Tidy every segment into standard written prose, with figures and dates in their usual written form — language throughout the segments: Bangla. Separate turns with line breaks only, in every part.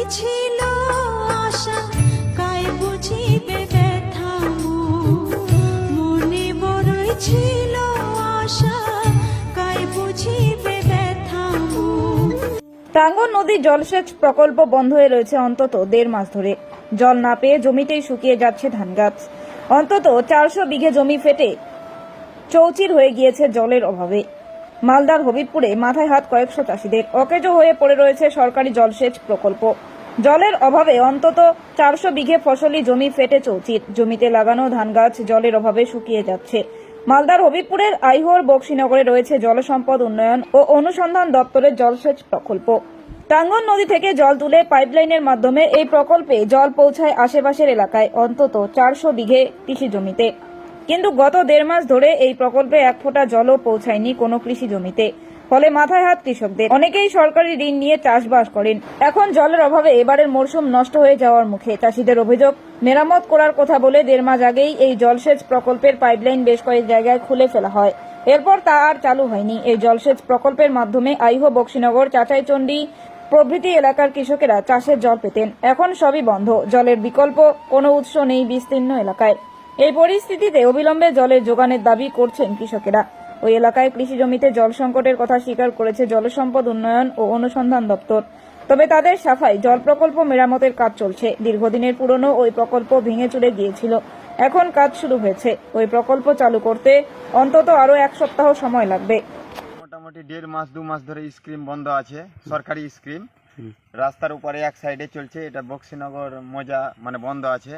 ছিল আশা, কায় বুঝিবে ব্যথা মোর। মনে বড়ই ছিল আশা, কায় বুঝিবে ব্যথা মোর।
টাঙ্গন নদীর জলসেচ প্রকল্প বন্ধ হয়ে রয়েছে অন্তত 1.5 মাস ধরে। জল না পেয়ে জমিতেই শুকিয়ে যাচ্ছে ধান গাছ। অন্তত 400 বিঘে জমি ফেটে চৌচির হয়ে গিয়েছে জলের অভাবে। মালদার হবিবপুরে মাথায় হাত কয়েকশো চাষিদের। অকেজো হয়ে পড়ে রয়েছে সরকারি জলসেচ প্রকল্প। জলের অভাবে অন্তত 400 বিঘে ফসলি জমি ফেটে চৌচির। জমিতে লাগানো ধান গাছ জলের অভাবে শুকিয়ে যাচ্ছে। মালদার হবিবপুরের আইহোর বক্সিনগরে রয়েছে জলসম্পদ উন্নয়ন ও অনুসন্ধান দপ্তরের জলসেচ প্রকল্প। টাঙ্গন নদী থেকে জল তুলে পাইপলাইনের মাধ্যমে এই প্রকল্পে জল পৌঁছায় আশেপাশের এলাকায় অন্তত 400 বিঘে কৃষি জমিতে। কিন্তু গত 1.5 মাস ধরে এই প্রকল্পে 1 ফোঁটা জলও পৌঁছায়নি কোনো কৃষি জমিতে। ফলে মাথায় হাত কৃষকদের। অনেকেই সরকারি ঋণ নিয়ে চাষবাস করেন। এখন জলের অভাবে এবারের মরশুম নষ্ট হয়ে যাওয়ার মুখে। চাষিদের অভিযোগ, মেরামত করার কথা বলে 1.5 মাস আগেই এই জলসেচ প্রকল্পের পাইপলাইন বেশ কয়েক জায়গায় খুলে ফেলা হয়। এরপর তা আর চালু হয়নি। এই জলসেচ প্রকল্পের মাধ্যমে আইহো, বক্সিনগর, চাচাইচন্ডী প্রভৃতি এলাকার কৃষকেরা চাষের জল পেতেন। এখন সবই বন্ধ। জলের বিকল্প কোনো উৎস নেই বিস্তীর্ণ এলাকায়। এই পরিস্থিতিতে অবিলম্বে জলের যোগানের দাবি করছেন কৃষকেরা। ওই এলাকায় কৃষি জমিতে জল সংকটের কথা স্বীকার করেছে জলসম্পদ উন্নয়ন ও অনুসন্ধান দপ্তর। তবে তাদের সাফাই, জল প্রকল্প মেরামতের কাজ চলছে। দীর্ঘদিনের পুরনো ওই প্রকল্প ভেঙে চুরে গিয়েছিল। এখন কাজ শুরু হয়েছে। ওই প্রকল্প চালু করতে অন্তত আরো 1 সপ্তাহ সময় লাগবে।
মোটামুটি 1.5 মাস 2 মাস ধরে স্কিম বন্ধ আছে, সরকারি স্কিম। রাস্তার উপরে এক সাইডে চলছে, এটা বক্সিনগর মজা মানে বন্ধ আছে,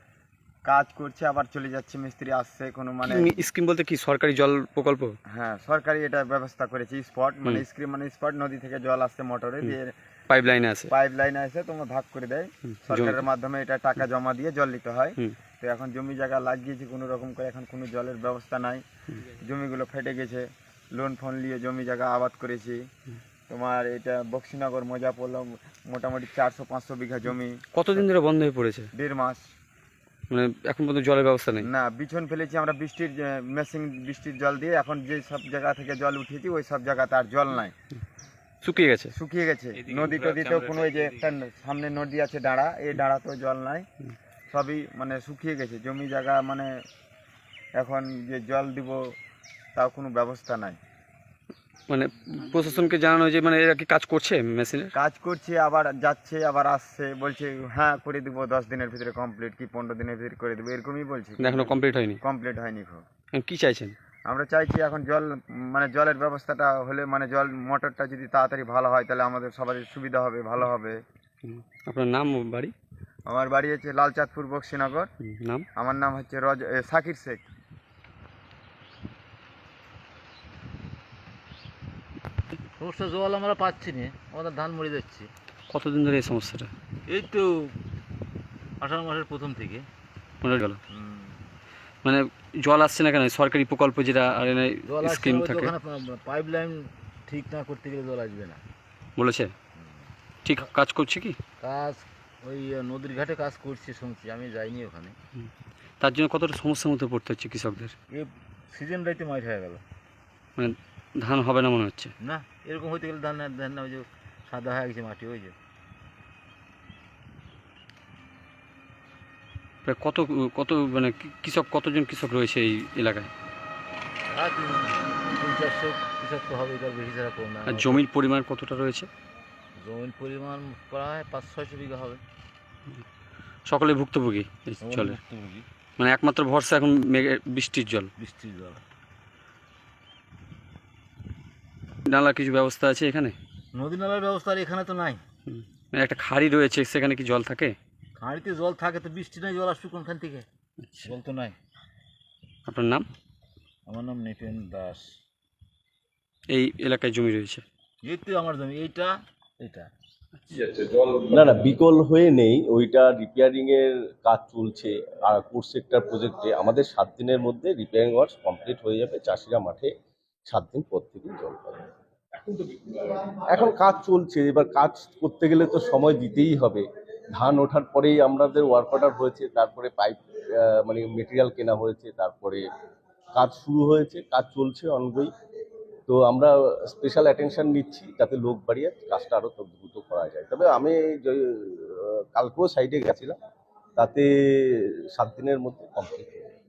কাজ করছে আবার চলে যাচ্ছে, মিস্ত্রি আসছে কোনো মানে
স্কিম বলতে কি সরকারি জল প্রকল্প?
হ্যাঁ, সরকারি এটা ব্যবস্থা করেছে স্পট মানে স্কিম মানে স্পট, নদী থেকে জল আসছে মোটরে দিয়ে, পাইপ লাইনে আছে তোমার ভাগ করে দেয় সরকারের মাধ্যমে। এটা টাকা জমা দিয়ে জল নিতে হয়। তো এখন জমি জায়গা লাগিয়েছে কোনো রকম করে, এখন কোনো জলের ব্যবস্থা নাই। জমিগুলো ফেটে গেছে, লোন ফোন নিয়ে জমি জায়গা আবাদ করেছি। তোমার এটা বক্সিনগর মজা পড়লো মোটামুটি 400-500 বিঘা জমি।
কতদিন ধরে বন্ধ হয়ে পড়েছে?
1.5 মাস।
মানে এখন পর্যন্ত জলের ব্যবস্থা নেই?
না, বিছন ফেলেছি আমরা বৃষ্টির মেশিন, বৃষ্টির জল দিয়ে। এখন যে সব জায়গা থেকে জল উঠেছি ওই সব জায়গাতে আর জল নাই,
শুকিয়ে গেছে।
নদী টদিতেও কোনো, এই যে একটা সামনে নদী আছে ডাঁড়া, এই ডাঁড়াতেও জল নাই, সবই মানে শুকিয়ে গেছে জমি জায়গা। মানে এখন যে জল দিব তাও কোনো ব্যবস্থা নাই।
মানে প্রশাসনকে জানানো যে মানে এরা কি কাজ করছে, মেশিনের
কাজ করছে, আবার যাচ্ছে আবার আসছে, বলছে হ্যাঁ করে দিব 10 দিনের ভিতরে কমপ্লিট, কি 15 দিনের ভিতরে করে দেবো, এরকমই বলছে।
এখনো কমপ্লিট হয়নি?
কমপ্লিট হয়নি।
কি চাইছেন?
আমরা চাইছি এখন জল মানে জলের ব্যবস্থাটা হলে, মানে জল মোটরটা যদি তাড়াতাড়ি ভালো হয় তাহলে আমাদের সবারই সুবিধা হবে, ভালো হবে।
আপনার নাম, বাড়ি?
আমার বাড়ি হচ্ছে লালচাঁদপুর, বক্সিনগর।
নাম?
আমার নাম হচ্ছে সাকির শেখ।
সমস্যা জল আমরা পাচ্ছি না, আমাদের ধান মরে যাচ্ছে।
কতদিন ধরে এই সমস্যাটা?
এই তো 18 মাসের প্রথম থেকে
জল মানে জল আসছে না কেন? সরকারি প্রকল্প যেটা
জল
স্কিম থাকে,
পাইপ লাইন ঠিক না করতে গেলে জল আসবে না
বলেছে। ঠিক কাজ করছে কি?
কাজ ওই নদীর ঘাটে কাজ করছে শুনছি, আমি যাইনি ওখানে।
তার জন্য কতটা সমস্যার মধ্যে পড়তে হচ্ছে কৃষকদের?
এই সিজন রাইতে মাইট হয়ে গেল,
মানে ধান হবে না মনে হচ্ছে।
না এরকম হইতে গেলে ধান না, ওই যে সাদা হয়ে গেছে মাটি, ওই যে
প্রায় কত কত মানে কতজন কৃষক রয়েছে এই এলাকায়?
আর 300-400 কৃষক তো হবে, তার বেশি ছাড়া কম না।
আর জমির পরিমাণ কতটা রয়েছে?
জমির পরিমাণ প্রায় 500-600 বিঘা হবে।
সকলে ভুক্তভোগী জলের, মানে একমাত্র ভরসা এখন বৃষ্টির জল। নালার কিছু ব্যবস্থা আছে এখানে?
নদী নালার ব্যবস্থা আর এখানে তো নাই।
মানে একটা খাড়ি রয়েছে, সেখানে কি জল থাকে?
খাঁড়িতে জল থাকে তো, বৃষ্টি নাই, জল আসবে কোনখান থেকে? জল তো নাই।
আপনার নাম?
আমার নাম নিপেন দাস।
এই এলাকায় জমি রয়েছে?
এই তো আমার জমি, এইটা।
না না, বিকল হয়ে নেই, ওইটা রিপেয়ারিং এর কাজ চলছে। আর কোর সেক্টর প্রজেক্টে আমাদের 7 দিনের মধ্যে রিপেয়ারিং ওয়ার্কস কমপ্লিট হয়ে যাবে। চাষিরা মাঠে 7 দিন পর থেকে জল পাবে। এখন কাজ চলছে, এবার কাজ করতে গেলে তো সময় দিতেই হবে। ধান ওঠার পরেই আমাদের ওয়ার্ক অর্ডার হয়েছে, তারপরে পাইপ মানে মেটেরিয়াল কেনা হয়েছে, তারপরে কাজ শুরু হয়েছে, কাজ চলছে অনগোয়িং। তো আমরা স্পেশাল অ্যাটেনশন নিচ্ছি যাতে লোক বাড়িয়ে কাজটা আরও দ্রুত করা যায়। তবে আমি কালকেও সাইডে গেছিলাম, তাতে 7 দিনের মধ্যে কমপ্লিট হয়ে যাবে।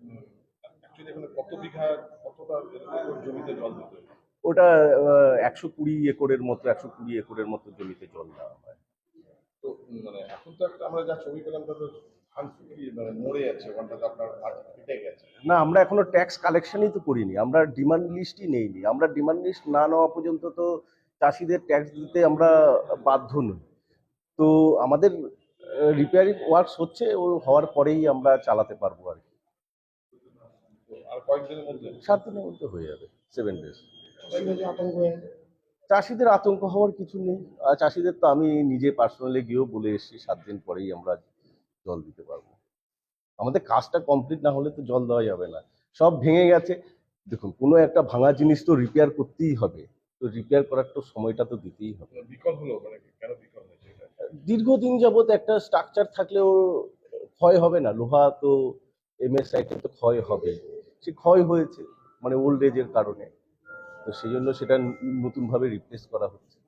ওটা 120 একরের মতো 120 একরের মতো জমিতে জল দেওয়া হয়।
তো এখন তো একটা আমরা যা ছবি পেলাম তাতে ধান শুকিয়ে মরে যাচ্ছে, ওখানটাতে আপনার মাঠ ফেটে গেছে।
না, আমরা এখনো ট্যাক্স কালেকশনই তো করিনি, আমরা ডিমান্ড লিস্টই নেইনি। আমরা ডিমান্ড লিস্ট না নেওয়া পর্যন্ত তো চাষিদের ট্যাক্স দিতে আমরা বাধ্য নই। তো আমাদের রিপেয়ারিং ওয়ার্কস হচ্ছে, ও হওয়ার পরেই আমরা চালাতে পারবো আর কি।
আর কয়েকদিনের মধ্যে
7 দিনের মধ্যে হয়ে যাবে, 7 days।
আতঙ্ক হয়ে
চাষিদের আতঙ্ক হওয়ার কিছু নেই। আর চাষিদের তো আমি নিজে পার্সোনালি গিয়েও বলে এসেছি 7 দিন পরেই আমরা জল দিতে পারবো। আমাদের কাজটা কমপ্লিট না হলে তো জল দেওয়া যাবে না। সব ভেঙে গেছে, দেখুন কোনো একটা ভাঙা জিনিস তো রিপেয়ার করতেই হবে, তো রিপেয়ার করার তো সময়টা তো দিতেই হবে।
বিকল হলো, কেন বিকল হয়েছে এটা?
দীর্ঘদিন যাবত একটা স্ট্রাকচার থাকলেও ক্ষয় হবে না, লোহা তো এমএস সাইটে তো ক্ষয় হবে, সে ক্ষয় হয়েছে ওল্ড এজের কারণে, তো সেই জন্য সেটা নতুনভাবে রিপ্লেস করা হচ্ছে।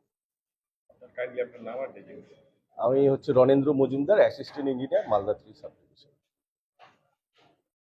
কাইন্ডলি আপনার নাম আর ডেজিগনেশন।
আমি Ranendra Majumdar, assistant engineer, Malda 3 sub division.